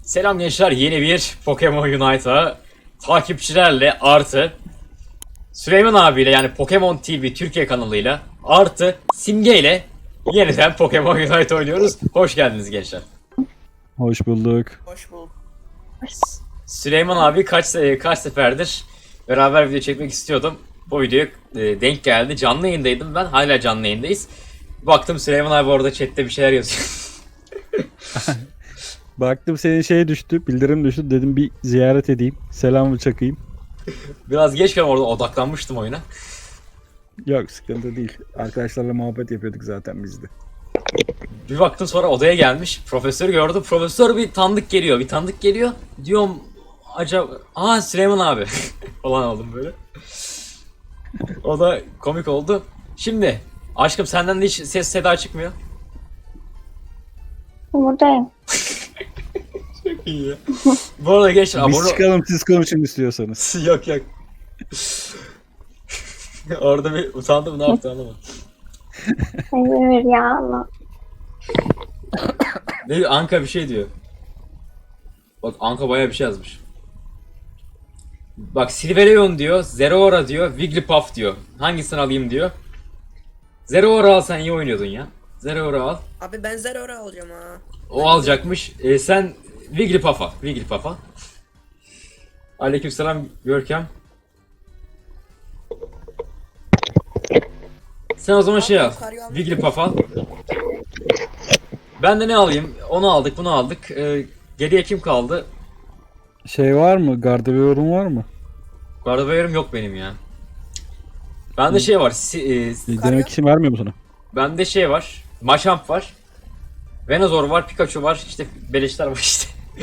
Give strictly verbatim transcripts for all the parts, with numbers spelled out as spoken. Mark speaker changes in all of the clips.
Speaker 1: Selam gençler, yeni bir Pokemon Unite'a takipçilerle artı Süleyman abiyle yani Pokemon T V Türkiye kanalıyla artı Simge ile yeniden Pokemon Unite oynuyoruz. Hoş geldiniz gençler.
Speaker 2: Hoş bulduk.
Speaker 3: Hoş bulduk.
Speaker 1: Süleyman abi kaç se- kaç seferdir beraber video çekmek istiyordum. Bu videoya e, denk geldi. Canlı yayındaydım ben. Hala canlı yayındayız. Baktım Süleyman abi orada chatte bir şeyler yazıyor.
Speaker 2: Baktım senin şey düştü, bildirim düştü. Dedim bir ziyaret edeyim. Selamı çakayım.
Speaker 1: Biraz geç kaldım, orada odaklanmıştım oyuna.
Speaker 2: Yok sıkıntı değil. Arkadaşlarla muhabbet yapıyorduk zaten biz de.
Speaker 1: Bir baktım sonra odaya gelmiş. Profesörü gördüm. Profesör bir tanıdık geliyor. Bir tanıdık geliyor. Diyorum acaba... Aa Süleyman abi. falan oldum böyle. O da komik oldu. Şimdi aşkım senden de hiç ses seda çıkmıyor.
Speaker 4: Buradayım.
Speaker 1: Çok iyi ya. Bu arada gençler
Speaker 2: Biz
Speaker 1: abone...
Speaker 2: çıkalım siz konuşun istiyorsanız.
Speaker 1: yok yok. Orada bir utandım, ne yaptı anlamadım.
Speaker 4: Hayır ya Allah.
Speaker 1: Ne diyor? Anka bir şey diyor. Bak Anka bayağı bir şey yazmış. Bak Silverion diyor, Zeraora diyor, Wigglypuff diyor. Hangisini alayım diyor. Zeraora al, sen iyi oynuyordun ya. Zeraora al.
Speaker 3: Abi ben Zeraora alacağım ha.
Speaker 1: O alacakmış. Ee, sen Wigglypuff'a. Wigglypuff'a. Aleykümselam Görkem. Sen o zaman şey al. Wigglypuff al. Ben de ne alayım? Onu aldık, bunu aldık. Ee, geriye kim kaldı?
Speaker 2: Şey var mı? Garderobe'un var mı?
Speaker 1: Gardevoir'um yok benim ya. Bende şey var. Si, e,
Speaker 2: Bir denemek için vermiyor mu sana?
Speaker 1: bende şey var. Machamp var. Venusaur var, Pikachu var. İşte beleşler var işte.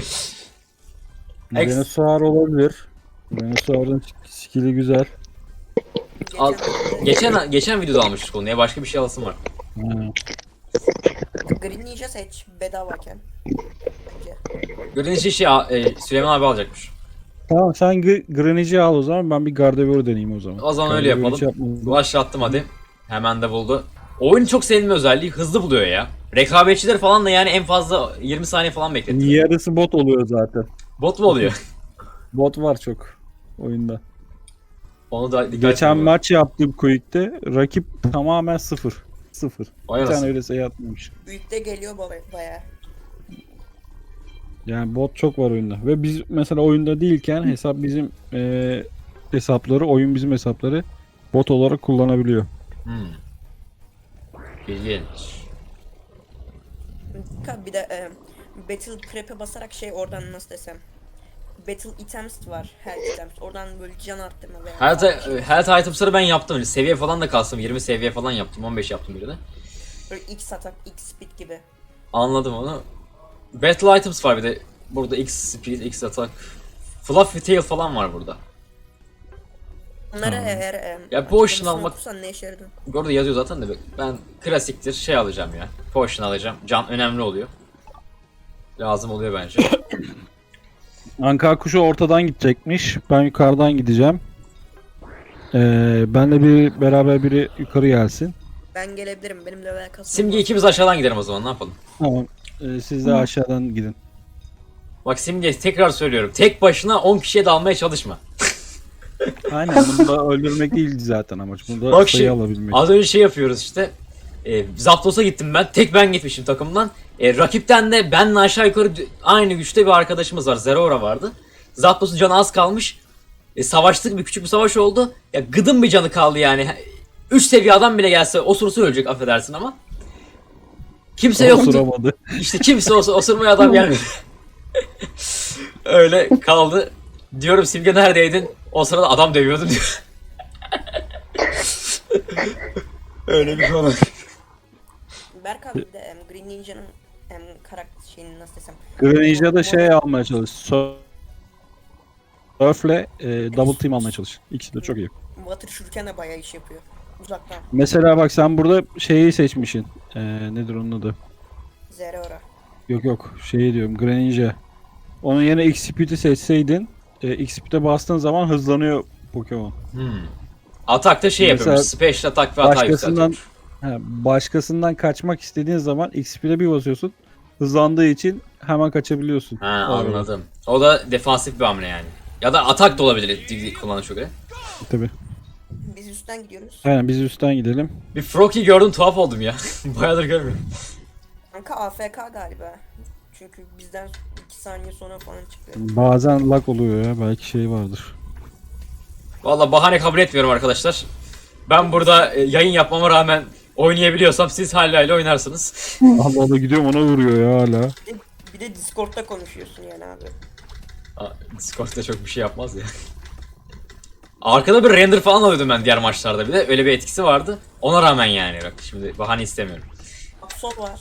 Speaker 1: Ex-
Speaker 2: Venusaur olabilir. Venusaur'un skill'i güzel.
Speaker 1: Al, geçen geçen videoda almıştık onu ya. Başka bir şey alasım var.
Speaker 2: Ha.
Speaker 3: Green Ninja seç bedavayken. Bence.
Speaker 1: Gördüğünüz şey e, Süleyman abi alacakmış.
Speaker 2: Tamam sen Greninja'yı al o zaman, ben bir Gardevoir deneyeyim o zaman.
Speaker 1: O zaman öyle
Speaker 2: Gardevoir hiç
Speaker 1: yapalım.
Speaker 2: yapmadım.
Speaker 1: Başlattım hadi. Hemen de buldu. Oyun çok sevdiğim özelliği, hızlı buluyor ya. Rekabetçiler falan da yani en fazla yirmi saniye falan bekletti.
Speaker 2: Yarısı bot oluyor zaten.
Speaker 1: Bot mu oluyor?
Speaker 2: Bot var çok oyunda.
Speaker 1: Onu da dikkat
Speaker 2: Geçen
Speaker 1: etmiyorum.
Speaker 2: maç yaptım Quick'te. Rakip tamamen sıfır. Sıfır.
Speaker 1: Vay
Speaker 2: Bir tane
Speaker 1: anasını.
Speaker 2: öyle sayı atmamış.
Speaker 3: Büyükte geliyor baba baya.
Speaker 2: Yani bot çok var oyunda. Ve biz mesela oyunda değilken hesap bizim eee, hesapları, oyun bizim hesapları bot olarak kullanabiliyor.
Speaker 1: Hmm. İlginç.
Speaker 3: Bir de e, Battle Prep'e basarak şey oradan nasıl desem. Battle items var, her items. Oradan böyle can arttırma veya
Speaker 1: Health,
Speaker 3: şey.
Speaker 1: health items'ları ben yaptım. Seviye falan da kalsın. yirmi seviye falan yaptım. on beş yaptım birine.
Speaker 3: Böyle X atak, X speed gibi.
Speaker 1: Anladım onu. Battle items var bir de. Burada X speed, X attack. Fluffy tail falan var burada.
Speaker 3: Bunları
Speaker 2: Tamam.
Speaker 3: eğer e,
Speaker 1: Ya
Speaker 3: açıklamasını
Speaker 1: potion almak-
Speaker 3: okursan ne işe yaradın?
Speaker 1: Orada yazıyor zaten de ben klasiktir şey alacağım ya. Potion alacağım. Can önemli oluyor. Lazım oluyor bence.
Speaker 2: Anka kuşu ortadan gidecekmiş. Ben yukarıdan gideceğim. Eee benle bir beraber biri yukarı gelsin.
Speaker 3: Ben gelebilirim, benim level kasım.
Speaker 1: Simge ikimiz aşağıdan gidelim o zaman, ne yapalım?
Speaker 2: Tamam. Eee, siz de aşağıdan gidin.
Speaker 1: Bak Simge, tekrar söylüyorum. Tek başına on kişiye dalmaya çalışma.
Speaker 2: Aynen, bunda öldürmek değil zaten amaç. Bunda
Speaker 1: Bak
Speaker 2: sayı
Speaker 1: şey,
Speaker 2: alabilmek.
Speaker 1: az önce şey yapıyoruz işte. E, Zapdos'a gittim ben. Tek ben gitmişim takımdan. E, rakipten de benle aşağı yukarı d- aynı güçte bir arkadaşımız var. Zeraora vardı. Zapdos'un canı az kalmış. E, savaştık, bir küçük bir savaş oldu. Ya gıdım bir canı kaldı yani. üç seviye adam bile gelse osursa ölecek, affedersin ama. Kimse yoktu.
Speaker 2: Osuramadı.
Speaker 1: İşte kimse olsa osurmaya adam gelmedi. Öyle kaldı. Diyorum Simge neredeydin? O sırada adam dövüyordum diyor. Öyle bir konu.
Speaker 3: Berk abi bir de em, Green Ninja'nın em, karakter şeyini nasıl desem.
Speaker 2: Greninja'da şey almaya çalış. Surf'le e, double team almaya çalış. İkisi de çok iyi.
Speaker 3: Water şurken de bayağı iş yapıyor. Uzaktan.
Speaker 2: Mesela bak sen burada şeyi seçmişsin. E, nedir onun adı?
Speaker 3: Zeraora.
Speaker 2: Yok yok şeyi diyorum, Greninja. Onun yerine X-Speed'i seçseydin e, X-Speed'e bastığın zaman hızlanıyor Pokemon.
Speaker 1: Hmm. Atakta şey
Speaker 2: Mesela
Speaker 1: yapıyormuş. Special atak ve hata
Speaker 2: Başkasından
Speaker 1: yükseltiyormuş.
Speaker 2: he, başkasından kaçmak istediğin zaman X-Speed'e bir basıyorsun. hızlandığı için hemen kaçabiliyorsun.
Speaker 1: Ha
Speaker 2: O arada.
Speaker 1: anladım. O da defansif bir hamle yani. Ya da atak da olabilir di- kullanışa göre.
Speaker 2: Tabii.
Speaker 3: Biz üstten gidiyoruz.
Speaker 2: Aynen biz üstten gidelim.
Speaker 1: Bir Froki gördüm tuhaf oldum ya. Bayağıdır görmüyorum.
Speaker 3: Kanka A F K galiba. Çünkü bizden iki saniye sonra falan çıktı.
Speaker 2: Bazen lag oluyor ya. Belki şey vardır.
Speaker 1: Valla bahane kabul etmiyorum arkadaşlar. Ben burada e, yayın yapmama rağmen oynayabiliyorsam siz hala oynarsınız.
Speaker 2: Allah Allah gidiyorum ona vuruyor ya hala.
Speaker 3: Bir de, bir de Discord'da konuşuyorsun yani abi.
Speaker 1: Aa, Discord'da çok bir şey yapmaz ya. Arkada bir render falan alıyordum ben diğer maçlarda bir de. Öyle bir etkisi vardı. Ona rağmen yani bak şimdi bahane istemiyorum.
Speaker 3: Absol var.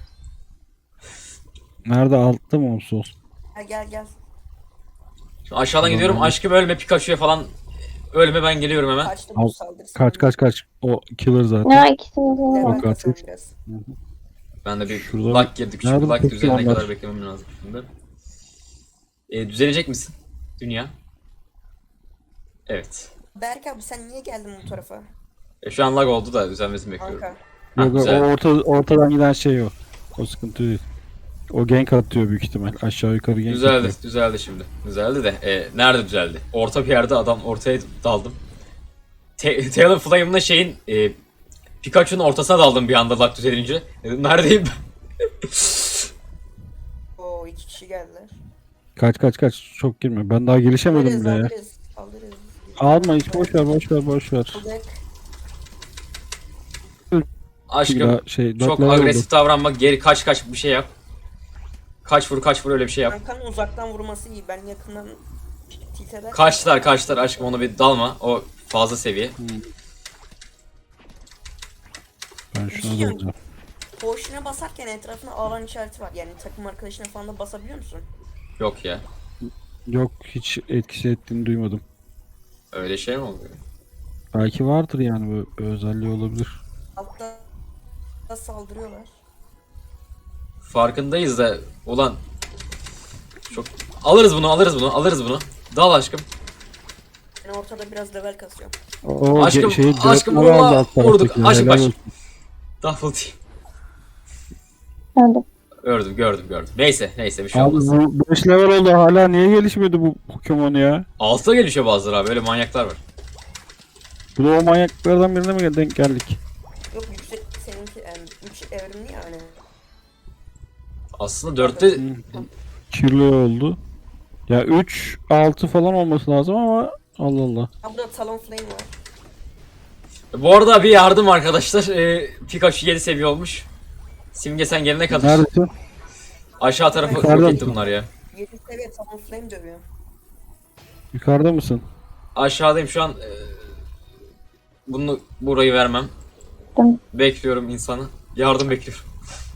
Speaker 2: Nerede altta mı olsun?
Speaker 3: Ha, gel gel.
Speaker 1: Şimdi aşağıdan gidiyorum.
Speaker 2: Tamam.
Speaker 1: Aşkım ölme Pikachu'ya falan ölme ben geliyorum hemen.
Speaker 3: Kaçtı
Speaker 2: Al,
Speaker 3: bu saldırısı.
Speaker 2: Kaç kaç kaç. O killer zaten.
Speaker 4: Ya ikisini de
Speaker 3: Level
Speaker 2: Bak
Speaker 3: kasalım
Speaker 2: artık.
Speaker 3: biraz.
Speaker 1: Ben de bir
Speaker 2: Şurada-
Speaker 1: lag girdik. Şu
Speaker 2: Nerede
Speaker 1: lag
Speaker 2: peki
Speaker 1: düzelene
Speaker 2: onlar?
Speaker 1: kadar beklemem lazım şimdi. E, düzelecek misin? Dünya. Evet.
Speaker 3: Berk abi sen niye geldin bu tarafa?
Speaker 1: E, şu an lag oldu da düzelmesini bekliyorum.
Speaker 3: Kanka.
Speaker 1: Hah,
Speaker 2: Yok, o
Speaker 1: güzel.
Speaker 2: orta, ortadan giden şey o. O sıkıntı değil. O gank atıyor büyük ihtimal. Aşağı yukarı gank
Speaker 1: Düzeldi,
Speaker 2: atıyor.
Speaker 1: düzeldi şimdi. Düzeldi de e, nerede düzeldi? Orta bir yerde adam ortaya daldım. Te Taylor Flame'la şeyin e, Pikachu'nun ortasına daldım bir anda lag düzelince. Dedim neredeyim ben?
Speaker 3: Oo iki kişi geldiler.
Speaker 2: Kaç kaç kaç. Çok girme. Ben daha gelişemedim
Speaker 3: Alırız
Speaker 2: bile ya.
Speaker 3: alırız. Alırız.
Speaker 2: Alma hiç boş ver boş ver boş ver.
Speaker 3: Aldık.
Speaker 1: Aşkım
Speaker 2: Daha şey, dört
Speaker 1: çok
Speaker 2: level
Speaker 1: agresif davranma, geri kaç kaç bir şey yap. Kaç vur kaç vur öyle bir şey yap.
Speaker 3: Kankanın uzaktan vurması iyi. Ben yakından tilt eder.
Speaker 1: Kaçtılar kaçtılar aşkım ona bir dalma. O fazla seviye.
Speaker 2: Ben
Speaker 3: Bir
Speaker 2: şuna
Speaker 3: şey
Speaker 2: da alacağım.
Speaker 3: Potion'a basarken etrafına alan işareti var. Yani takım arkadaşına falan da basabiliyor musun?
Speaker 1: Yok ya.
Speaker 2: Yok hiç etkisi ettiğini duymadım.
Speaker 1: Öyle şey mi oluyor?
Speaker 2: Belki vardır yani bu bir özelliği olabilir.
Speaker 3: Altta da saldırıyorlar.
Speaker 1: Farkındayız da ulan çok alırız bunu alırız bunu alırız bunu. Dal aşkım.
Speaker 3: Ben ortada biraz level kasıyorum.
Speaker 2: O
Speaker 1: Aşkım,
Speaker 2: ge- şeyi
Speaker 1: aşkım
Speaker 2: dörtleri
Speaker 1: vurma,
Speaker 2: aldı alt
Speaker 1: vurduk.
Speaker 2: taraftaki,
Speaker 1: Aşkım,
Speaker 2: helal
Speaker 1: aşkım.
Speaker 2: olsun.
Speaker 1: Double team.
Speaker 4: öldüm.
Speaker 1: Gördüm gördüm gördüm. Neyse neyse bir şey
Speaker 2: Abi
Speaker 1: olmaz.
Speaker 2: bu beş level oldu hala niye gelişmedi bu Pokemon ya?
Speaker 1: Altta gelişiyor bazıları abi öyle manyaklar var.
Speaker 2: Bu da o manyaklardan birine mi denk geldik?
Speaker 3: Yok yüksek seninki yani üç evrimli yani.
Speaker 1: Aslında dörtte
Speaker 2: Kirli oldu. Ya üç altı falan olması lazım ama Allah Allah.
Speaker 3: Ha burada Talon Flame var.
Speaker 1: bu arada bir yardım arkadaşlar. Ee, Pikachu yedi seviye olmuş. Simge sen gelene kadar.
Speaker 2: Neredesin?
Speaker 1: Aşağı tarafa
Speaker 2: Yukarıda
Speaker 1: yok etti
Speaker 2: mısın?
Speaker 1: bunlar ya.
Speaker 3: yedi seviye Talon Flame dövüyor.
Speaker 2: Yukarıda mısın?
Speaker 1: Aşağıdayım şu an. Ee, bunu burayı vermem.
Speaker 4: Tamam.
Speaker 1: Bekliyorum insanı. Yardım bekliyorum.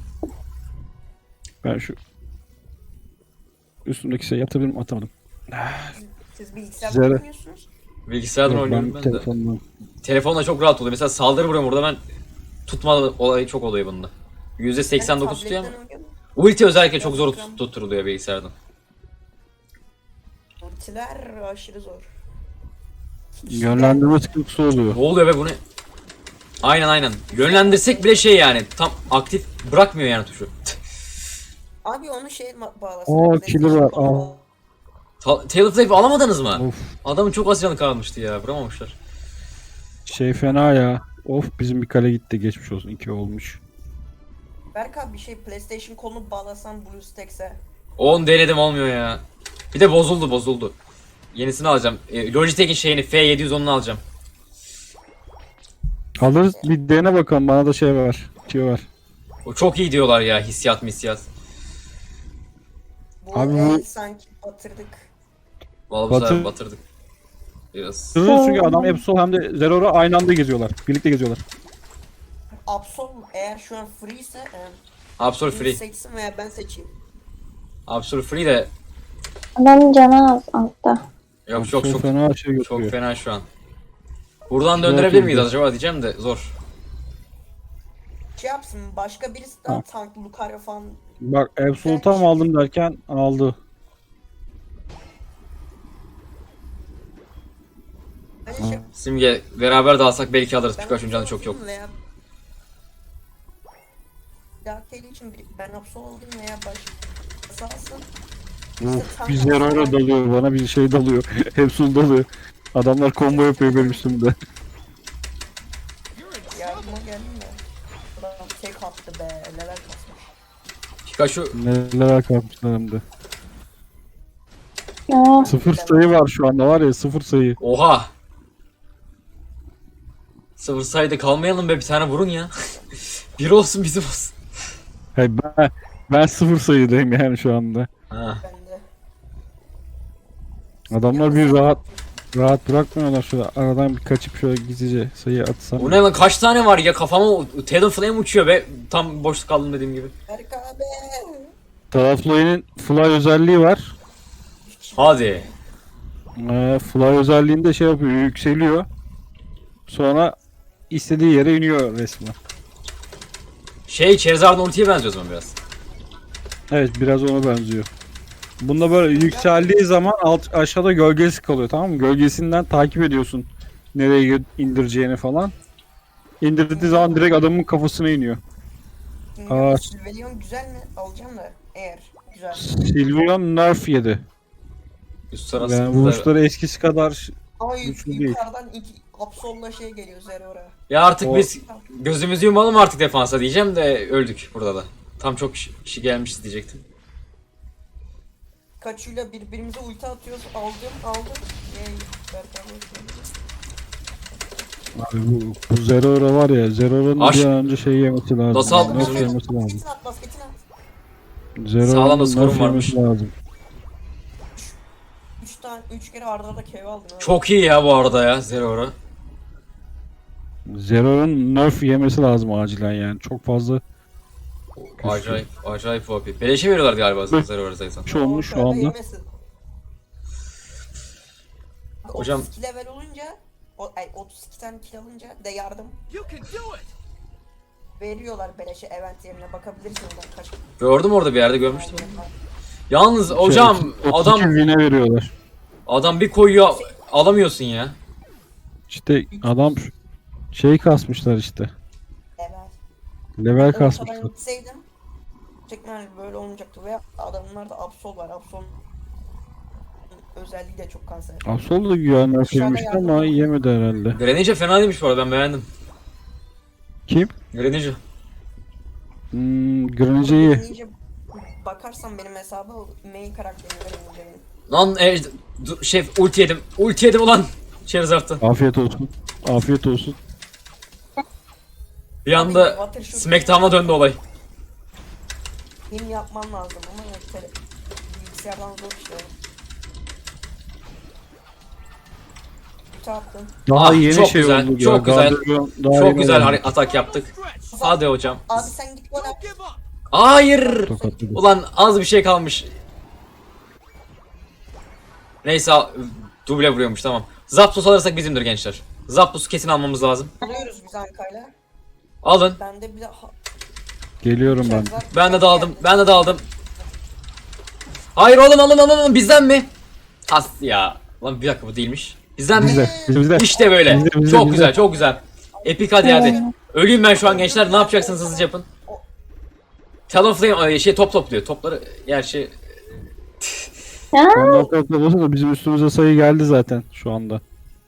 Speaker 2: Ben şu üstümdeki şey atabilirim atamadım.
Speaker 3: Siz bilgisayarda
Speaker 2: Zero.
Speaker 3: oynuyorsunuz.
Speaker 1: Bilgisayardan
Speaker 2: Yok,
Speaker 1: oynuyorum ben, de.
Speaker 2: telefondan.
Speaker 1: Telefonla çok rahat oluyor. Mesela saldırı vuruyorum burada ben tutma olayı çok oluyor bunda. yüzde seksen dokuz tutuyor ama.
Speaker 3: tabletten oynuyorum.
Speaker 1: Ulti özellikle çok zor tut- tutturuluyor bilgisayardan.
Speaker 3: Ultiler aşırı zor.
Speaker 2: Yönlendirme sıkıntısı oluyor.
Speaker 1: Ne oluyor be bu ne? Aynen aynen. Yönlendirsek bile şey yani tam aktif bırakmıyor yani tuşu.
Speaker 3: Abi onu şey ma- bağlasın.
Speaker 2: Oo,
Speaker 3: PlayStation
Speaker 2: killer var,
Speaker 3: koluna
Speaker 2: aa.
Speaker 3: bağla-
Speaker 1: Ta- Tail Flame alamadınız mı?
Speaker 2: Of
Speaker 1: Adamın çok az canı kalmıştı ya. Vuramamışlar.
Speaker 2: şey fena ya. Of bizim bir kale gitti geçmiş olsun iki olmuş.
Speaker 3: Berk abi bir şey PlayStation kolunu bağlasan BlueStacks'e.
Speaker 1: on denedim olmuyor ya. Bir de bozuldu bozuldu. Yenisini alacağım. E, Logitech'in şeyini F yedi yüz onunu alacağım.
Speaker 2: Alırız bir dene bakalım bana da şey var. Şey var.
Speaker 1: O çok iyi diyorlar ya hissiyat missiyat.
Speaker 3: Bu
Speaker 2: Abi
Speaker 3: el
Speaker 2: bu-
Speaker 3: sanki batırdık.
Speaker 1: Vallahi bu sefer
Speaker 2: Batır-
Speaker 1: batırdık. Biraz.
Speaker 2: Sırrı çünkü adam Absol hem de Zerora aynı anda geziyorlar. Birlikte geziyorlar.
Speaker 3: Absol eğer şu an free ise e,
Speaker 1: Absolute
Speaker 3: biri
Speaker 1: free.
Speaker 3: seçsin veya ben seçeyim.
Speaker 1: Absolute free de
Speaker 4: Adamın canı az altta.
Speaker 1: yok çok
Speaker 2: Absol
Speaker 1: çok
Speaker 2: fena şey
Speaker 1: çok
Speaker 2: götürüyor.
Speaker 1: fena şu an. Buradan
Speaker 2: Güzel
Speaker 1: döndürebilir miyiz
Speaker 2: oldu.
Speaker 1: acaba diyeceğim de zor.
Speaker 3: Şey yapsın başka birisi daha tank Lucario falan.
Speaker 2: Bak Absol'u tam aldım derken aldı.
Speaker 3: Hani şey,
Speaker 1: Simge beraber de alsak belki alırız.
Speaker 3: ben
Speaker 1: Pikachu'nun canı çok yok.
Speaker 3: veya dahil için bir- ben Absol oldum veya başkası alsın.
Speaker 2: Uf, bir Zerora dalıyor bana, bir şey dalıyor. Hepsi dalıyor. Adamlar combo yapıyor benim üstümde.
Speaker 3: Yardıma geldim de. Adam tek attı be. Neler basmış.
Speaker 1: Pikachu
Speaker 2: Neler kalmışlar hem de.
Speaker 4: Aa,
Speaker 2: Sıfır sayı var şu anda, var ya, sıfır sayı.
Speaker 1: oha. Sıfır sayıda kalmayalım be, bir tane vurun ya. Bir olsun bizim olsun.
Speaker 2: Hayır, ben, ben sıfır sayıdayım yani şu anda.
Speaker 1: Ha.
Speaker 3: Ben de.
Speaker 2: Adamlar bir rahat rahat bırakmıyorlar, şöyle aradan bir kaçıp şöyle gizlice sayı atsam.
Speaker 1: Bu ne lan, kaç tane var ya, kafama Talonflame uçuyor be. Tam boşluk kaldım dediğim gibi.
Speaker 3: Berk abi.
Speaker 2: Taraflayının fly özelliği var.
Speaker 1: Hadi.
Speaker 2: Ee, fly özelliğinde şey yapıyor, yükseliyor. Sonra istediği yere iniyor resmen.
Speaker 1: Şey, Charizard'ın ultiye benziyor o zaman biraz.
Speaker 2: Evet, biraz ona benziyor. Bunda böyle yükseldiği zaman alt aşağıda gölgesi kalıyor, tamam mı? Gölgesinden takip ediyorsun nereye gö- indireceğini falan. İndirdiği zaman direkt adamın kafasına iniyor. Aa.
Speaker 3: Silverion güzel mi? Alacağım da eğer güzel.
Speaker 2: Sylveon nerf yedi.
Speaker 1: Üst
Speaker 2: Yani
Speaker 1: tarafı.
Speaker 2: vuruşları eskisi kadar
Speaker 3: Ay
Speaker 2: Güçlü değil.
Speaker 3: yukarıdan iki Absol'la şey geliyor Zerora.
Speaker 1: Ya artık
Speaker 2: O-
Speaker 1: biz gözümüzü yumalım artık defansa diyeceğim de öldük burada da. Tam çok kişi, kişi gelmişiz diyecektim.
Speaker 3: Kaçuyla birbirimize ulti atıyoruz. Aldım aldım. Yay. Berk abi.
Speaker 2: abi bu, bu Zerora var ya, Zerora'nın
Speaker 1: Aş-
Speaker 2: bir an önce şey yemesi lazım.
Speaker 1: Nasıl aldın
Speaker 2: Nerf
Speaker 1: bunu?
Speaker 2: yemesi lazım.
Speaker 3: Basketini at basketini at.
Speaker 1: Sağlam da
Speaker 2: Zerora'nın
Speaker 1: skorun
Speaker 2: nerf
Speaker 1: varmış.
Speaker 2: yemesi lazım.
Speaker 3: Üç tane üç kere arda arda K O aldın abi.
Speaker 1: Çok iyi ya bu arada ya Zeraora.
Speaker 2: Zerora'nın nerf yemesi lazım acilen yani. Çok fazla
Speaker 1: Acayip, acayip O P. Beleşe veriyorlar galiba Zeraora zaten.
Speaker 2: şey olmuş şu
Speaker 3: Ortada
Speaker 2: anda.
Speaker 3: yemesin.
Speaker 1: Hocam-
Speaker 3: otuz iki level olunca o, ay, otuz iki tane kill alınca de yardım veriyorlar beleşe event yerine bakabilirsin oradan kaç.
Speaker 1: Gördüm orada bir yerde görmüştüm. Yalnız hocam
Speaker 2: Şey,
Speaker 1: adam
Speaker 2: otuz iki win'e veriyorlar.
Speaker 1: adam bir koyuyor alamıyorsun ya.
Speaker 2: İşte adam şey kasmışlar işte.
Speaker 3: Evet.
Speaker 2: Level
Speaker 3: Ortadan
Speaker 2: kasmışlar.
Speaker 3: gitseydim çekmen böyle olmayacaktı ve adamlarda Absol var. Absol özelliği de çok kanser.
Speaker 2: Absol da güya nerf
Speaker 3: Aşağıda
Speaker 2: yemişti
Speaker 3: yardım
Speaker 2: ama
Speaker 3: var.
Speaker 2: yemedi herhalde.
Speaker 1: Greninja fena değilmiş bu arada, ben beğendim.
Speaker 2: Kim?
Speaker 1: Greninja.
Speaker 2: Hmm, Greninja'yı.
Speaker 3: İyice bakarsan benim hesaba main karakterini veremeyeceğim.
Speaker 1: Lan e, du- şey ulti yedim. Ulti yedim ulan. Charizard'da.
Speaker 2: Afiyet olsun. Afiyet olsun.
Speaker 1: Bir anda Smackdown'a döndü olay.
Speaker 3: Benim yapman lazım ama yok tele bilgisayardan zor işte. Kötü attın.
Speaker 2: Daha
Speaker 1: Ah,
Speaker 2: yeni
Speaker 1: çok
Speaker 2: şey
Speaker 1: güzel,
Speaker 2: oldu.
Speaker 1: çok
Speaker 2: ya.
Speaker 1: güzel.
Speaker 2: Gardırop daha
Speaker 1: Çok
Speaker 2: yeni
Speaker 1: güzel
Speaker 2: oldu.
Speaker 1: har- atak yaptık. Hadi hocam.
Speaker 3: Abi sen git gol at.
Speaker 1: Hayır.
Speaker 2: Tokatladı.
Speaker 1: Ulan az bir şey kalmış. Neyse al- duble vuruyormuş, tamam. Zapdos alırsak bizimdir gençler. Zapdos'u kesin almamız lazım.
Speaker 3: Alıyoruz biz Anka'yla.
Speaker 1: Alın.
Speaker 3: Ben de bir de ha-
Speaker 2: Geliyorum ben.
Speaker 3: Charizard-
Speaker 1: Ben de daldım. Ben de daldım. Hayır oğlum, alın alın alın, bizden mi? Has ya. Lan bir dakika, bu değilmiş. Bizden mi?
Speaker 2: Bizde. Bizde.
Speaker 1: İşte böyle.
Speaker 2: Bizde, bizde,
Speaker 1: çok
Speaker 2: bizde.
Speaker 1: güzel, çok güzel. Epik, hadi hadi. Öleyim ben şu an gençler. Ne yapacaksınız, hızlıca yapın. Talonflame şey top topluyor. Topları gerçi
Speaker 4: Ha?
Speaker 2: Ondan sonra da bizim üstümüze sayı geldi zaten şu anda.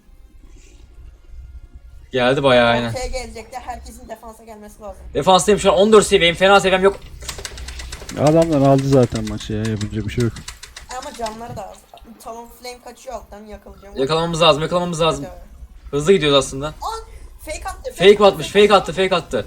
Speaker 1: geldi bayağı aynen.
Speaker 3: Ortaya gelecekte herkesin defansa gelmesi lazım.
Speaker 1: Defanstayım şu an, on dört seviyeyim. Fena seviyem yok.
Speaker 2: Adamlar aldı zaten maçı ya, yapacak bir şey yok.
Speaker 3: Ama canları da az. Talon Flame kaçıyor alttan yakalayacağım.
Speaker 1: Yakalamamız lazım, yakalamamız lazım. Hızlı gidiyoruz aslında.
Speaker 3: Aa, fake attı.
Speaker 1: Fake atmış, fake attı, fake attı.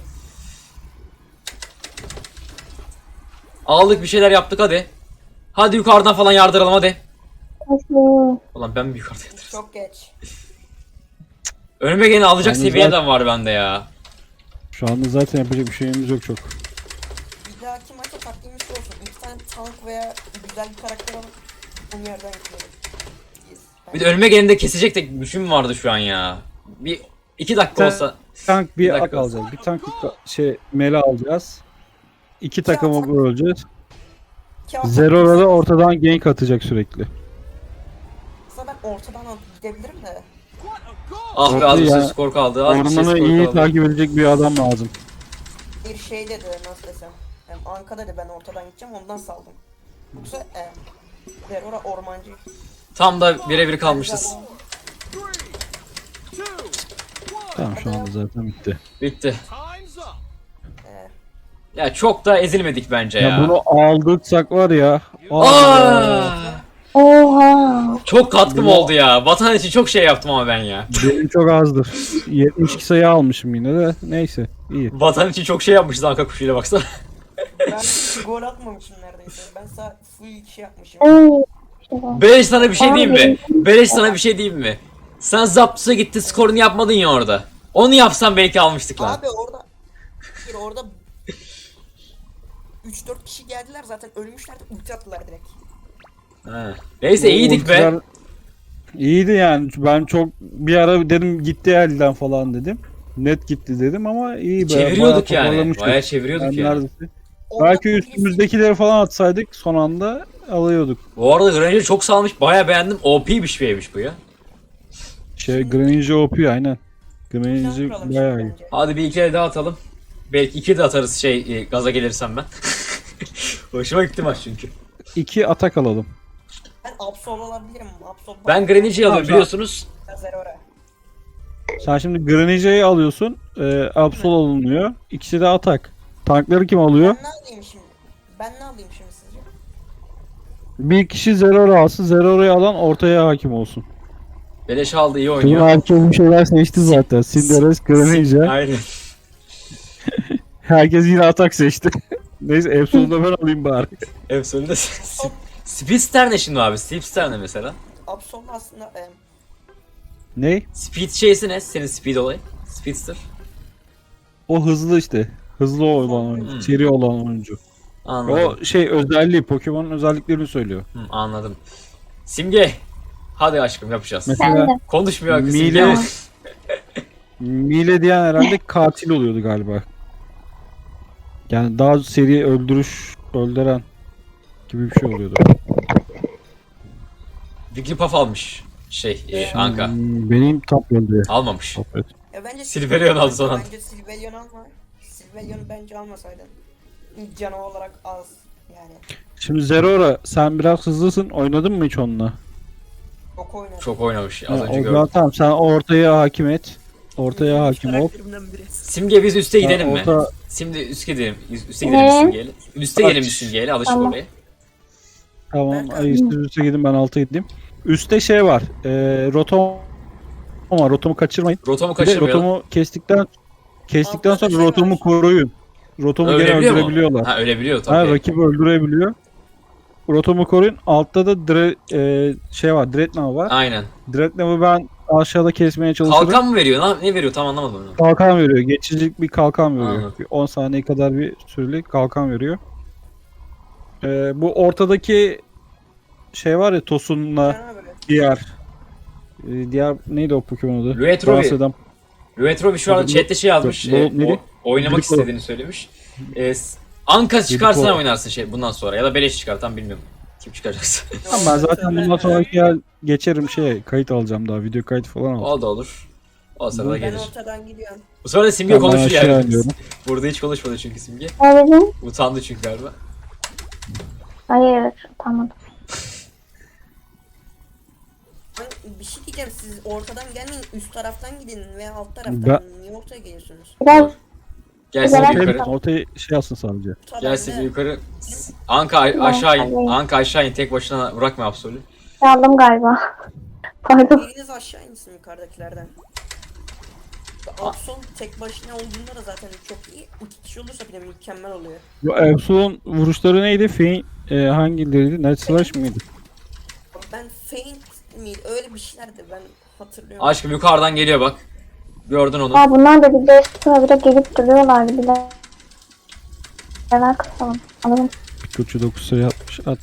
Speaker 1: Aldık, bir şeyler yaptık, hadi. Hadi yukarıdan falan yardıralım hadi.
Speaker 4: Nasıl?
Speaker 1: Ulan ben mi yukarıda yatırırım?
Speaker 3: Çok geç.
Speaker 1: Önüme gene alacak
Speaker 2: Yalnız
Speaker 1: seviyeden var bende ya.
Speaker 2: Şu anda zaten yapacak bir şeyimiz yok çok.
Speaker 3: Bir dahaki maça taktiğimiz şu olsun. İki tane tank veya güzel bir karakter alıp bunu yerden yıkayalım. Yes.
Speaker 1: Bir de önüme gelende kesecek de güçüm vardı şu an ya. Bir iki dakika olsa.
Speaker 2: Tank bir
Speaker 1: Bir
Speaker 2: ak
Speaker 1: dakika.
Speaker 2: alacağız. Bir tank bir ka- şey mele alacağız. İki takımı böleceğiz. Zerora da ortadan gank atacak sürekli.
Speaker 3: Aslında ben ortadan alıp gidebilirim de.
Speaker 1: Ah be, az bir
Speaker 2: Ya,
Speaker 1: şey skor kaldı. Az bir şey
Speaker 2: Ormanı
Speaker 1: skor
Speaker 2: iyi
Speaker 1: kaldı.
Speaker 2: takip edecek bir adam lazım.
Speaker 3: Bir şey dedi nasıl desem. Hem Anka'da da ben ortadan gideceğim ondan saldım. Yoksa em, Zerora ormancı.
Speaker 1: Tam da birebir kalmışız.
Speaker 2: Tamam şu anda zaten bitti.
Speaker 1: Bitti.
Speaker 3: Ee,
Speaker 1: Ya çok da ezilmedik bence ya.
Speaker 2: Ya bunu aldırsak var ya. Aa,
Speaker 1: Aa!
Speaker 4: Oha.
Speaker 1: Çok katkım oldu ya. Vatan için çok şey yaptım ama ben ya.
Speaker 2: benim çok azdır. yetmiş iki sayı almışım yine de. Neyse iyi.
Speaker 1: Vatan için çok şey yapmışız Anka kuşuyla baksana.
Speaker 3: ben hiç gol atmamışım neredeyse. Ben sadece full şey yapmışım.
Speaker 4: Oo. İşte bu.
Speaker 1: Beleş sana bir şey diyeyim mi? Beleş sana bir şey diyeyim mi? Sen Zaptus'a gitti skorunu yapmadın ya orada. Onu yapsan belki almıştık lan.
Speaker 3: Abi orada bir orada üç dört kişi geldiler zaten ölmüşlerdi ulti attılar direkt.
Speaker 1: Ha. Neyse iyiydik be.
Speaker 2: Ultiler İyiydi yani. Ben çok bir ara dedim gitti elden falan dedim. Net gitti dedim ama iyi be.
Speaker 1: Çeviriyorduk
Speaker 2: bayağı
Speaker 1: yani.
Speaker 2: toparlamıştık.
Speaker 1: Bayağı çeviriyorduk
Speaker 2: Yani
Speaker 1: yani.
Speaker 2: neredeyse.
Speaker 3: Orada
Speaker 2: Belki
Speaker 3: full
Speaker 2: üstümüzdekileri falan atsaydık son anda alıyorduk.
Speaker 1: Bu arada Granger çok salmış. Bayağı beğendim. O P bir şeymiş bu ya.
Speaker 2: Şey Greninja O P aynen.
Speaker 3: plan
Speaker 2: Greninja
Speaker 3: kuralım
Speaker 2: bayağı
Speaker 3: şimdi
Speaker 2: iyi.
Speaker 3: bence.
Speaker 1: Hadi bir iki el daha atalım. Belki iki de atarız şey e, gaza gelirsem ben. Hoşuma gitti maç çünkü.
Speaker 2: İki atak alalım.
Speaker 3: Ben Absol alabilirim. Absol
Speaker 1: Ben Greninja'yı alıyorum
Speaker 2: Tamam,
Speaker 1: biliyorsunuz.
Speaker 3: Zerora.
Speaker 2: Sen şimdi Greninja'yı alıyorsun. E, Absol alınıyor. İkisi de atak. Tankları kim alıyor?
Speaker 3: Ben ne alayım şimdi? Ben ne alayım şimdi sizce?
Speaker 2: Bir kişi Zerora alsın. Zerora'yı alan ortaya hakim olsun.
Speaker 1: Beleş aldı iyi
Speaker 2: Tüm
Speaker 1: oynuyor.
Speaker 2: hakim bir şeyler seçti zaten. Cinderes, Greninja.
Speaker 1: Aynen.
Speaker 2: Herkes yine atak seçti. Neyse Absol'u da ben alayım bari.
Speaker 1: Efsane. Speedster ne şimdi abi? Speedster ne mesela?
Speaker 3: Absol aslında em,
Speaker 2: Ne?
Speaker 1: Speed şeysi ne? Senin speed olayı. Speedster.
Speaker 2: O hızlı işte. Hızlı olan oyuncu.
Speaker 1: Hmm.
Speaker 2: Seri olan oyuncu.
Speaker 1: Anladım.
Speaker 2: O şey özelliği. Pokemon'un özelliklerini söylüyor.
Speaker 1: Hı, anladım. Simge. Hadi aşkım yapacağız.
Speaker 2: Mesela
Speaker 4: Ben de.
Speaker 1: Konuşmuyor akı
Speaker 2: Mile-
Speaker 1: Simge.
Speaker 2: Mile diyen herhalde katil oluyordu galiba. Yani daha seri öldürüş, öldüren gibi bir şey oluyordu.
Speaker 1: Wigglypuff almış. Şey, e, Anka.
Speaker 2: Hmm, Benim top öldü.
Speaker 1: Almamış.
Speaker 2: Top evet.
Speaker 3: Ya bence
Speaker 1: Silverion aldı son anda.
Speaker 3: Bence Silverion alma. Silverion'u bence almasaydın. Canı olarak az yani.
Speaker 2: Şimdi Zerora sen biraz hızlısın. Oynadın mı hiç onunla?
Speaker 3: Çok oynadı.
Speaker 1: Çok oynamış. Az
Speaker 2: Ha,
Speaker 1: önce
Speaker 2: o zaman
Speaker 1: gördüm.
Speaker 2: tamam sen ortaya hakim et. Ortaya hakim ol.
Speaker 3: Karakterimden biri.
Speaker 1: Simge biz üste gidelim
Speaker 2: Ha,
Speaker 1: mi?
Speaker 2: orta-
Speaker 1: Şimdi üste gidelim. Üste gidelim
Speaker 4: Ne?
Speaker 1: biz Simge'yle. Üste gidelim biz
Speaker 2: Aç.
Speaker 1: Simge'yle. Alışık
Speaker 4: Tamam.
Speaker 1: oraya.
Speaker 2: Tamam.
Speaker 3: Ben-
Speaker 2: Ay, siz üste gidin ben alta gideyim. Üste şey var. E, rotom var. Rotomu kaçırmayın.
Speaker 1: Rotomu
Speaker 2: Bir de
Speaker 1: kaçırmayalım.
Speaker 2: rotomu kestikten kestikten
Speaker 3: Altta da
Speaker 2: sonra
Speaker 3: şey
Speaker 2: rotomu
Speaker 3: var.
Speaker 2: koruyun. Rotomu gene
Speaker 1: Ölebiliyor mu?
Speaker 2: öldürebiliyorlar.
Speaker 1: Ha ölebiliyor
Speaker 2: Ha,
Speaker 1: tabii.
Speaker 2: rakibi öldürebiliyor. Rotomu koruyun. Altta da dre, e, şey var. Dreadnought var.
Speaker 1: Aynen.
Speaker 2: Dreadnought'u ben aşağıda kesmeye çalışırım.
Speaker 1: Kalkan mı veriyor? Ne, ne veriyor? Tam anlamadım onu.
Speaker 2: Kalkan veriyor. Geçicilik bir kalkan veriyor.
Speaker 1: Anladım.
Speaker 2: Bir on saniye kadar bir süreli kalkan veriyor. Ee, bu ortadaki şey var ya Tosun'la
Speaker 3: Cana böyle.
Speaker 2: diğer e, diğer neydi o Pokemon adı?
Speaker 1: Luetrobi.
Speaker 2: Fransa'dan.
Speaker 1: Luetrobi şu anda
Speaker 2: Bu-
Speaker 1: chatte şey yazmış.
Speaker 2: bu-
Speaker 1: e,
Speaker 2: neydi?
Speaker 1: o, oynamak
Speaker 2: Lidiko.
Speaker 1: istediğini söylemiş. E, s- Anka çıkarsa
Speaker 2: Lidiko.
Speaker 1: oynarsın şey bundan sonra. Ya da beleş çıkar tam bilmiyorum. Kim çıkaracaksa.
Speaker 2: Tamam, ben zaten bundan sonraki yer geçerim şey kayıt alacağım daha video kayıt falan alacağım.
Speaker 1: O da olur. O sırada
Speaker 3: Ben
Speaker 1: gelir.
Speaker 3: ortadan gidiyorum.
Speaker 1: Bu sefer de Simge
Speaker 2: Tamam, ben
Speaker 1: konuşuyor
Speaker 2: aşağı
Speaker 1: yani.
Speaker 2: iniyorum.
Speaker 1: Burada hiç konuşmadı çünkü Simge.
Speaker 4: Abicim.
Speaker 1: Utandı çünkü galiba.
Speaker 4: Hayır. Tamam.
Speaker 3: Ben bir şey diyeceğim siz ortadan gelmeyin üst taraftan gidin veya alt taraftan.
Speaker 2: Ben-
Speaker 3: Niye ortaya geliyorsunuz?
Speaker 4: Biraz
Speaker 1: Gel
Speaker 4: Güzel.
Speaker 1: Simge yukarı.
Speaker 2: Ortaya şey alsın sadece.
Speaker 3: Tabii
Speaker 1: Gel
Speaker 3: de.
Speaker 1: Simge yukarı. Anka a- aşağı in.
Speaker 4: Tamam.
Speaker 1: Anka aşağı in. Tek başına bırakma Absol'ü.
Speaker 4: aldım galiba. Pardon.
Speaker 3: Biriniz aşağı insin yukarıdakilerden. Absol tek başına olduğunda da zaten çok iyi. İki kişi olursa bile mükemmel oluyor.
Speaker 2: Bu Absol'un vuruşları neydi? Fein e, hangileriydi? Net Slash mıydı?
Speaker 3: Ben Feint miydi? Öyle bir şeylerdi ben hatırlıyorum.
Speaker 1: Aşkım yukarıdan geliyor bak. Gördün onu.
Speaker 4: Aa, bunlar da bir de sıra bile gelip duruyorlardı bile. Neler kısalım. Alalım.
Speaker 2: Pikachu dokuz sayı atmış. At.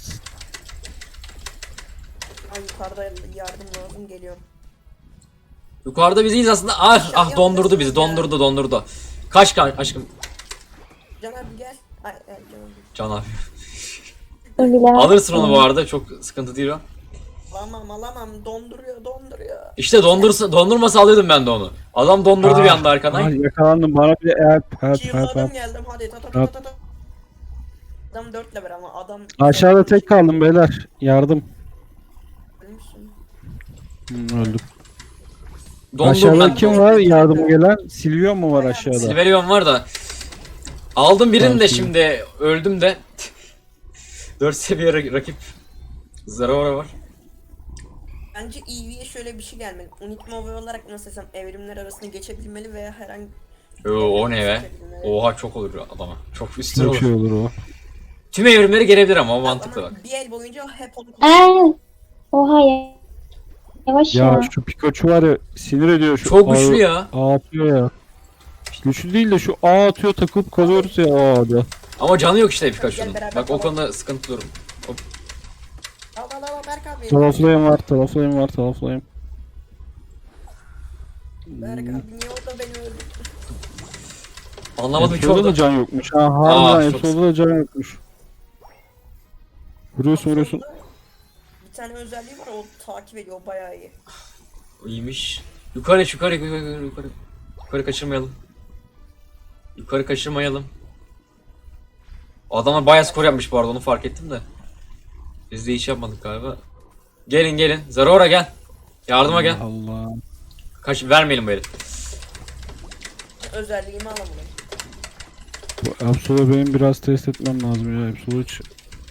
Speaker 3: Ben yukarıda yardım lazım geliyorum.
Speaker 1: Yukarıda biz iyiyiz aslında. Ah ah dondurdu bizi. Dondurdu dondurdu. Kaç kaç aşkım.
Speaker 3: Can abi gel. Ay, ay, Can abi.
Speaker 1: Can abi.
Speaker 4: Bilemem.
Speaker 1: Alırsın onu bu arada. Çok sıkıntı değil o.
Speaker 3: Alamam alamam donduruyor donduruyor.
Speaker 1: İşte dondursa, dondurmasa alıyordum ben de onu. Adam dondurdu bir anda arkadan.
Speaker 2: Ay, yakalandım bana bir de help help help
Speaker 3: Çığladım
Speaker 2: help.
Speaker 3: geldim hadi ta ta ta ta ta. Adam dört level ama adam...
Speaker 2: Aşağıda tek kaldım beyler. Yardım.
Speaker 3: Ölmüşsün.
Speaker 2: Hmm, öldüm.
Speaker 1: Dondum
Speaker 2: Aşağıda
Speaker 1: ben.
Speaker 2: kim var yardıma gelen? Silvion mu var aşağıda?
Speaker 1: Silverion var da. Aldım birini
Speaker 2: Tamam,
Speaker 1: de
Speaker 2: şimdi.
Speaker 1: şimdi öldüm de. dört seviye ra- rakip. Zeraora var.
Speaker 3: Bence E V'ye şöyle bir şey gelmeli. Unitma olarak nasıl desem evrimler arasında geçebilmeli veya herhangi...
Speaker 1: Oo, o ne be?
Speaker 3: Geçebilmeli.
Speaker 1: Oha çok olur adama. Çok üstüne
Speaker 2: Çok
Speaker 1: olur.
Speaker 2: şey olur o.
Speaker 1: Tüm evrimleri gelebilir ama o mantıklı
Speaker 3: Ama
Speaker 1: bak.
Speaker 3: bir el boyunca hep onu
Speaker 4: Eee. Oha ya. Yavaş ya.
Speaker 2: Ya şu Pikachu var ya sinir ediyor şu.
Speaker 1: Çok güçlü
Speaker 2: ağ-
Speaker 1: ya.
Speaker 2: Ağ atıyor ya. Güçlü değil de şu ağ atıyor takılıp kalıyoruz ya ağda.
Speaker 1: Ama canı yok işte Pikachu'nun.
Speaker 3: Gel beraber
Speaker 1: Bak o
Speaker 3: tamam.
Speaker 1: konuda sıkıntı durum.
Speaker 3: Al al al Berk abi.
Speaker 2: Taraflayım var taraflayım var taraflayım.
Speaker 3: Berk abi niye o da beni öldürdü?
Speaker 1: Anlamadım ki
Speaker 2: Efso'da da
Speaker 1: orada.
Speaker 2: can yokmuş. Ha
Speaker 1: Aa,
Speaker 2: harbiden
Speaker 1: çok-
Speaker 2: Efso'da da can yokmuş. Vuruyorsun vuruyorsun.
Speaker 3: Bir tane özelliği var o takip ediyor o bayağı iyi.
Speaker 1: İyiymiş. Yukarı yukarı yukarı yukarı yukarı. Yukarı kaçırmayalım. Yukarı kaçırmayalım. Adamlar bayağı skor yapmış bu arada onu fark ettim de. Biz de hiç yapmadık galiba. Gelin gelin. Zeraora gel. Yardıma gel.
Speaker 2: Allah.
Speaker 1: Kaç vermeyelim bu eli.
Speaker 3: Özelliğimi alamadım.
Speaker 2: Bu Absol'u benim biraz test etmem lazım ya. Absol'u hiç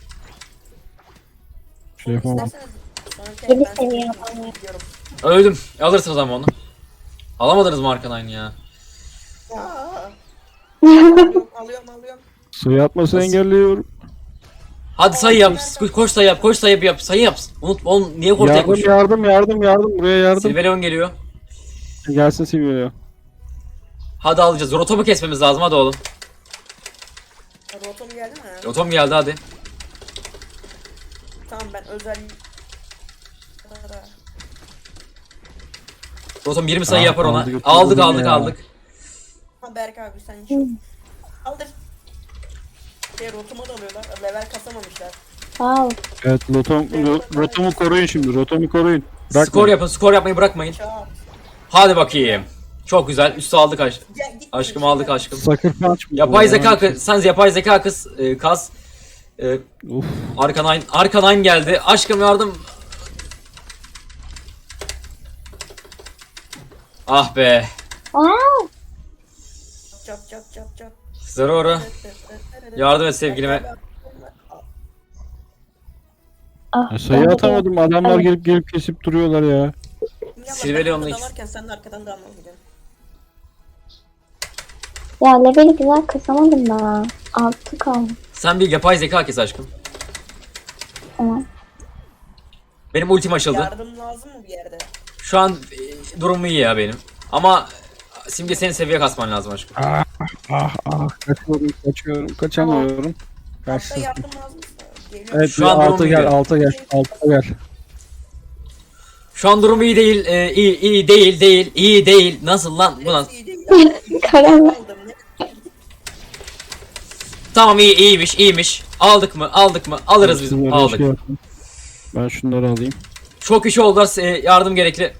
Speaker 2: şey yapamam.
Speaker 3: İsterseniz sonraki
Speaker 4: Yedi
Speaker 3: ben
Speaker 4: seviye
Speaker 3: size
Speaker 4: yapamıyor.
Speaker 3: gidiyorum.
Speaker 1: Öldüm. Alırsınız ama onu. Alamadınız mı arkan aynı ya?
Speaker 3: Aa. alıyorum alıyorum alıyorum.
Speaker 2: Sayı atmasını
Speaker 1: Nasıl?
Speaker 2: engelliyorum.
Speaker 1: Hadi sayı yap. Koş sayı yap. Koş sayı yap. Sayı yap. Unut. Oğlum niye ortaya
Speaker 2: Yardım
Speaker 1: koşuyor?
Speaker 2: yardım yardım yardım buraya yardım.
Speaker 1: Silverion geliyor.
Speaker 2: Gelsin Silvio.
Speaker 1: Hadi alacağız. Rotom'u kesmemiz lazım hadi oğlum.
Speaker 3: Rotom geldi mi?
Speaker 1: Rotom geldi hadi.
Speaker 3: Tamam ben özelliği...
Speaker 1: Rotom yirmi sayı
Speaker 2: Ah,
Speaker 1: yapar ona.
Speaker 2: aldık,
Speaker 1: Aldık
Speaker 2: aldık
Speaker 1: aldık
Speaker 2: ya.
Speaker 1: aldık.
Speaker 3: Ha Berk abi sen şu... Aldır. Şey rotuma da alıyorlar. Level kasamamışlar.
Speaker 4: Wow.
Speaker 2: Evet Rotom, Ro- Rotom'u koruyun şimdi. Rotom'u koruyun. Bırakmayın.
Speaker 1: Skor yapın. Skor yapmayı bırakmayın.
Speaker 3: Çağır.
Speaker 1: Hadi bakayım. Çok güzel. Üstü aldık aşk.
Speaker 3: Gel git.
Speaker 1: Aşkım aldık aşkım.
Speaker 2: Sucker punch mı?
Speaker 1: Yapay
Speaker 2: bu?
Speaker 1: zeka kız. Sen yapay zeka kız. E, kaz. E,
Speaker 2: Uf.
Speaker 1: Arkanine. Arkanine geldi. Aşkım yardım. Ah be.
Speaker 4: Wow.
Speaker 3: Çat çat çat çat.
Speaker 1: Zeraora. Yardım et sevgilime.
Speaker 4: Ah,
Speaker 2: Ya sayı
Speaker 4: ben de-
Speaker 2: atamadım. Adamlar
Speaker 4: Evet.
Speaker 2: gelip gelip kesip duruyorlar ya.
Speaker 1: Silverion'la
Speaker 3: Silverion'la
Speaker 1: ikisi-
Speaker 3: dalarken sen de arkadan da almaz gidiyorsun.
Speaker 4: Ya leveli güzel kasamadım ben. Altı kaldı.
Speaker 1: Sen bir yapay zeka kes aşkım.
Speaker 4: Tamam.
Speaker 1: Benim ultim açıldı.
Speaker 3: Yardım lazım mı bir yerde?
Speaker 1: Şu an e, durumu iyi ya benim. Ama Simge senin seviye kasman lazım aşkım.
Speaker 2: Ah ah kaçıyorum kaçıyorum kaçamıyorum.
Speaker 3: Hatta
Speaker 2: Kaçtım.
Speaker 3: yardım lazımsa geliyor.
Speaker 2: Evet
Speaker 1: Şu
Speaker 2: bir
Speaker 1: an
Speaker 2: alta
Speaker 1: durum
Speaker 2: gel
Speaker 1: iyi.
Speaker 2: alta gel alta gel.
Speaker 1: Şu an durumu iyi değil. E, iyi iyi değil değil. iyi değil. Nasıl lan? Bu nasıl?
Speaker 3: İyi değil ya.
Speaker 4: Karanlık.
Speaker 3: Aldım ne?
Speaker 1: Tamam iyi iyiymiş iyiymiş. Aldık mı? Aldık mı? Alırız biz.
Speaker 2: Şunları
Speaker 1: Aldık.
Speaker 2: şey yapayım. Ben şunları alayım.
Speaker 1: Çok kişi oldular. E, yardım gerekli.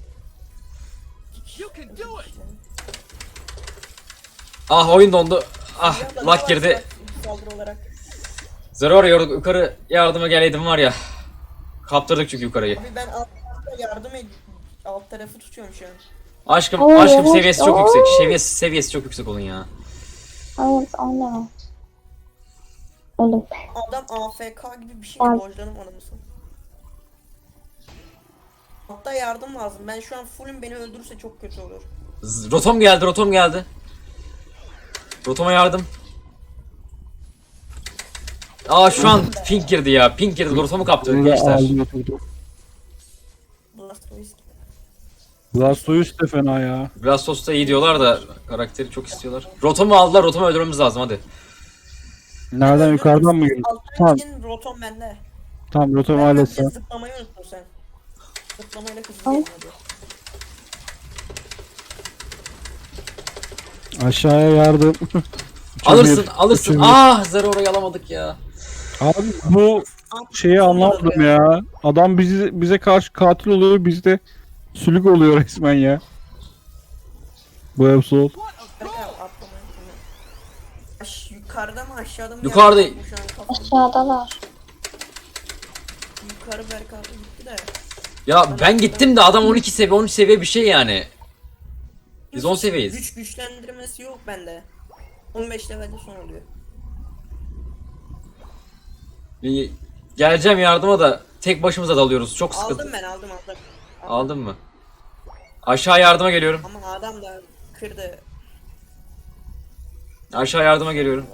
Speaker 1: Ah oyun dondu. Ah
Speaker 3: Ya da
Speaker 1: lag
Speaker 3: ne
Speaker 1: girdi.
Speaker 3: varsa Saldırı olarak.
Speaker 1: Zeraora yor- yukarı yardıma geleydim var ya. Kaptırdık çünkü yukarıyı.
Speaker 3: Abi ben alt tarafta yardım ed alt tarafı tutuyorum şu an.
Speaker 1: Aşkım
Speaker 4: Oo,
Speaker 1: aşkım
Speaker 4: evet.
Speaker 1: seviyesi çok
Speaker 4: Oo.
Speaker 1: yüksek. Seviyesi seviyesi çok yüksek onun ya.
Speaker 4: Evet onu. Ölüm.
Speaker 3: Adam A F K gibi bir şey
Speaker 4: Ay.
Speaker 3: dojlanım anımısın. Hatta yardım lazım. Ben şu an fullüm beni öldürürse çok kötü olur.
Speaker 1: Z- Rotom geldi, Rotom geldi. Rotoma yardım. Aa şu an pink girdi ya. Pink girdi. Rotom'u kaptı
Speaker 2: Bunu da
Speaker 1: gençler.
Speaker 2: aldım götürdüm.
Speaker 3: Blastoise.
Speaker 2: Blastoise de fena ya.
Speaker 1: Blastos da iyi diyorlar da karakteri çok istiyorlar. Rotom'u aldılar. Rotom'u öldürmemiz lazım hadi.
Speaker 2: Nereden yukarıdan mı geliyor?
Speaker 3: Alttan
Speaker 2: Tamam.
Speaker 3: gidin rotom bende.
Speaker 2: Tamam Rotom
Speaker 3: Ben
Speaker 2: ailesi.
Speaker 3: sadece zıplamayı unuttun sen. Zıplamayla hızlı gelin hadi.
Speaker 2: Aşağıya yardım. Üçe
Speaker 1: Alırsın,
Speaker 2: bir,
Speaker 1: alırsın.
Speaker 2: üçe bir.
Speaker 1: Ah Zeraora'yı alamadık ya.
Speaker 2: Abi bu şeyi anlamadım ya. Adam bizi bize karşı katil oluyor, biz de sülük oluyor resmen ya. Bu Absol.
Speaker 3: Berk abi atlamayı. Aş- yukarıda mı aşağıda mı?
Speaker 1: Yukarıda.
Speaker 3: Yaptım şu an kafam.
Speaker 4: Aşağıdalar.
Speaker 3: Yukarı Berk abi gitti de.
Speaker 1: Ya ben gittim de adam on iki seviye on üç seviye bir şey yani. Biz on seviyeyiz.
Speaker 3: Güç güçlendirmesi yok bende. on beş levelde son oluyor.
Speaker 1: Bir geleceğim yardıma da tek başımıza dalıyoruz. Çok sıkıntı.
Speaker 3: Aldım ben aldım aldım.
Speaker 1: Aldın mı? Aşağı yardıma geliyorum.
Speaker 3: Ama adam da kırdı.
Speaker 1: Aşağı yardıma geliyorum.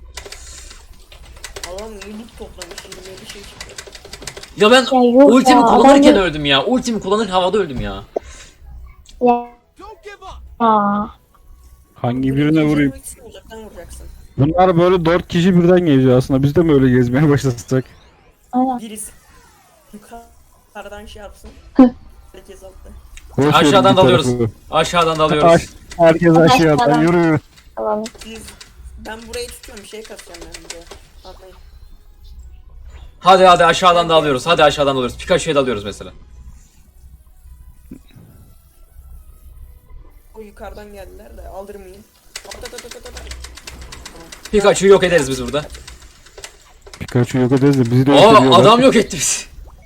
Speaker 3: Adam yıllık toplamış yirmi yedi şey çıktı.
Speaker 1: Ya ben
Speaker 4: Ya yok
Speaker 1: ultimi
Speaker 4: ya,
Speaker 1: kullanırken
Speaker 4: adam-
Speaker 1: öldüm ya. Ultimi kullanırken havada öldüm ya.
Speaker 4: Ya. Aa.
Speaker 2: Hangi birine vurayım?
Speaker 3: Vurmak için uzaktan vuracaksın.
Speaker 2: Bunlar böyle dört kişi birden geziyor aslında. Biz de mi öyle gezmeye başlasak?
Speaker 4: Aynen.
Speaker 3: Birisi yukarıdan şey yapsın. Herkes altta.
Speaker 2: Boş verin
Speaker 1: Aşağıdan
Speaker 2: bir
Speaker 1: dalıyoruz.
Speaker 2: tarafı.
Speaker 1: Aşağıdan
Speaker 2: Aş-
Speaker 1: dalıyoruz.
Speaker 2: Herkes aşağıdan
Speaker 4: Aşağıdan.
Speaker 2: yürü yürü.
Speaker 4: Tamam.
Speaker 3: Siz, ben burayı tutuyorum şey kasacağım ben buraya. Atlayın.
Speaker 1: Hadi hadi aşağıdan dalıyoruz. Hadi aşağıdan dalıyoruz. Pikachu'ya dalıyoruz mesela.
Speaker 3: O yukarıdan geldiler de aldırmayın. At at at at at at.
Speaker 1: Pikachu'yu yok ederiz biz burada.
Speaker 2: Pikachu yok ederiz de bizi de yok
Speaker 1: Aa
Speaker 2: ediyorlar.
Speaker 1: adam yok etti bizi.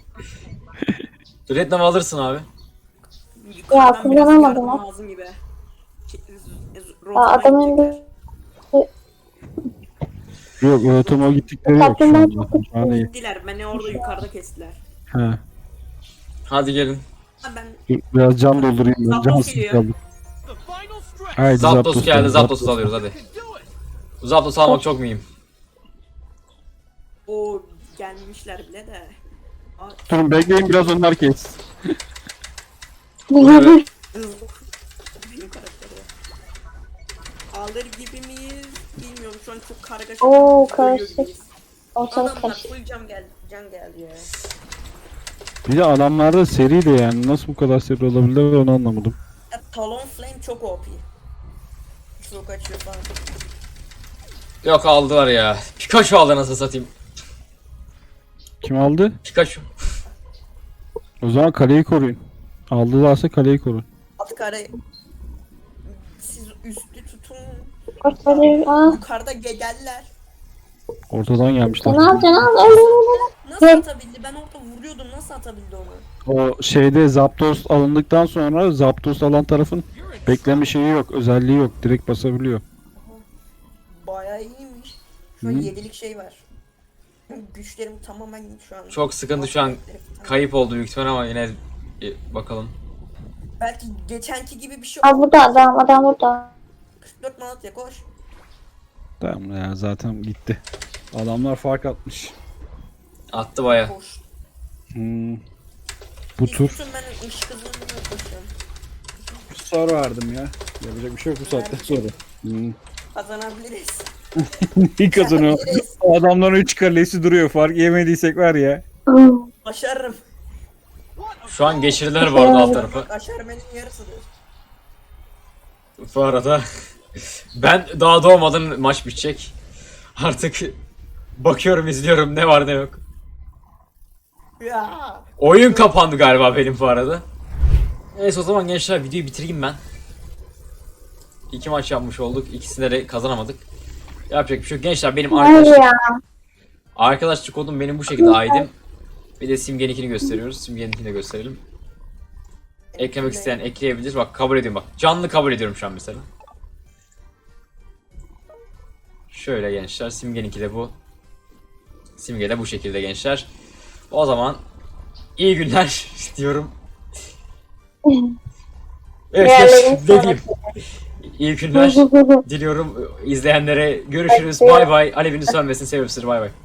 Speaker 1: Rednam alırsın abi.
Speaker 3: Yukarıdan biraz
Speaker 4: kullanamadım
Speaker 3: yardım
Speaker 4: ha.
Speaker 3: lazım gibi. Ki- z- z-
Speaker 4: Aa,
Speaker 3: rotama
Speaker 4: adamın
Speaker 3: gidecekler.
Speaker 4: bir
Speaker 2: Yok otomo gittikleri yok şu
Speaker 4: Kapından
Speaker 2: anda.
Speaker 4: çok
Speaker 2: Şu an iyi.
Speaker 3: Gittiler beni orada yukarıda kestiler.
Speaker 2: He.
Speaker 1: Hadi gelin.
Speaker 3: Ha ben
Speaker 2: Dur, biraz can doldurayım ben.
Speaker 3: Zapdos
Speaker 2: Cansız
Speaker 3: geliyor.
Speaker 2: kaldım. Haydi
Speaker 1: Zapdos geldi.
Speaker 2: geldi,
Speaker 1: Zapdos'u alıyoruz hadi. Zapdos almak çok mühim.
Speaker 3: o gelmişler bile de. Aa,
Speaker 2: Durun bekleyin biraz onlar kes.
Speaker 1: Evet.
Speaker 3: hızlı. Benim karakteri. Alır gibi miyiz? Bilmiyorum şu an çok kargaşa.
Speaker 4: Oo,
Speaker 3: Ölüyor
Speaker 4: karışık.
Speaker 3: gibiyiz.
Speaker 4: Ortalık
Speaker 3: Adamlar
Speaker 4: karışık.
Speaker 3: full can geldi, can geldi ya.
Speaker 2: Bir de adamlarda seri de yani nasıl bu kadar seri olabilir onu anlamadım.
Speaker 3: ya Talon Flame çok O P. Çok açıyor falan.
Speaker 1: Yok aldılar ya. Pikachu aldı nasıl satayım.
Speaker 2: Kim aldı?
Speaker 1: Pikachu.
Speaker 2: O zaman kaleyi koruyun. Aldılarsa kaleyi koruyun.
Speaker 3: At kare. Siz üstü tutun.
Speaker 4: Ortalık. Aa.
Speaker 3: Yukarıda ge- geldiler.
Speaker 2: Ortadan gelmişler.
Speaker 4: Ne yapacaksın? Al, al, al, al.
Speaker 3: Nasıl
Speaker 4: Evet.
Speaker 3: atabildi? Ben orada vuruyordum. Nasıl atabildi onu?
Speaker 2: O şeyde Zapdos alındıktan sonra Zapdos alan tarafın bekleme şeyi yok, özelliği yok. Direkt basabiliyor.
Speaker 3: Bayağı iyiymiş. Şu an
Speaker 2: Hı.
Speaker 3: yedilik şey var. Güçlerim tamamen şu an.
Speaker 1: Çok sıkıntı şu an. Kayıp oldu büyük ihtimal ama yine e, bakalım.
Speaker 3: Belki geçenki gibi bir şey
Speaker 4: Aa, burada adam. Adam burada.
Speaker 3: kırk dört Malatya koş.
Speaker 2: Tamam ya zaten gitti. Adamlar fark atmış.
Speaker 1: Attı baya.
Speaker 3: Koş.
Speaker 2: Hmm. Bu
Speaker 3: Siz
Speaker 2: tur
Speaker 3: tutun ben ışık hızına koşuyorum.
Speaker 2: soru verdim ya. Yapacak bir şey yok bu saatten sonra. Hmm.
Speaker 3: Kazanabiliriz.
Speaker 2: İyi kazanıyor. O adamların üç kalesi duruyor. Fark yemediysek var ya.
Speaker 4: Hmm.
Speaker 3: Başarırım.
Speaker 1: Şu an geçirdiler bu arada alt tarafı.
Speaker 3: Aşermenin yarısıdır.
Speaker 1: Bu arada ben daha doğmadan maç bitecek. Artık bakıyorum izliyorum ne var ne yok.
Speaker 3: Ya.
Speaker 1: Oyun kapandı galiba benim bu arada. Neyse o zaman gençler videoyu bitireyim ben. İki maç yapmış olduk. İkisinde de kazanamadık. Yapacak bir şey yok. Gençler benim
Speaker 4: Hayır
Speaker 1: arkadaşlık,
Speaker 4: ya.
Speaker 1: arkadaşlık kodum benim bu şekilde I D'm. Bir de Simge'ninkini gösteriyoruz. Simge'ninkini de gösterelim. Eklemek isteyen ekleyebilir. Bak kabul ediyorum bak. Canlı kabul ediyorum şu an mesela. Şöyle gençler. Simge'ninki de bu. Simge de bu şekilde gençler. O zaman iyi günler diyorum. Evet
Speaker 4: Diğerlerini
Speaker 1: gençler, ne
Speaker 4: sonra-
Speaker 1: diyeyim. İyi günler diliyorum izleyenlere. Görüşürüz.
Speaker 4: Hadi.
Speaker 1: Bay bay. Alevini sönmesin. Seviyorum sizi. Bay bay.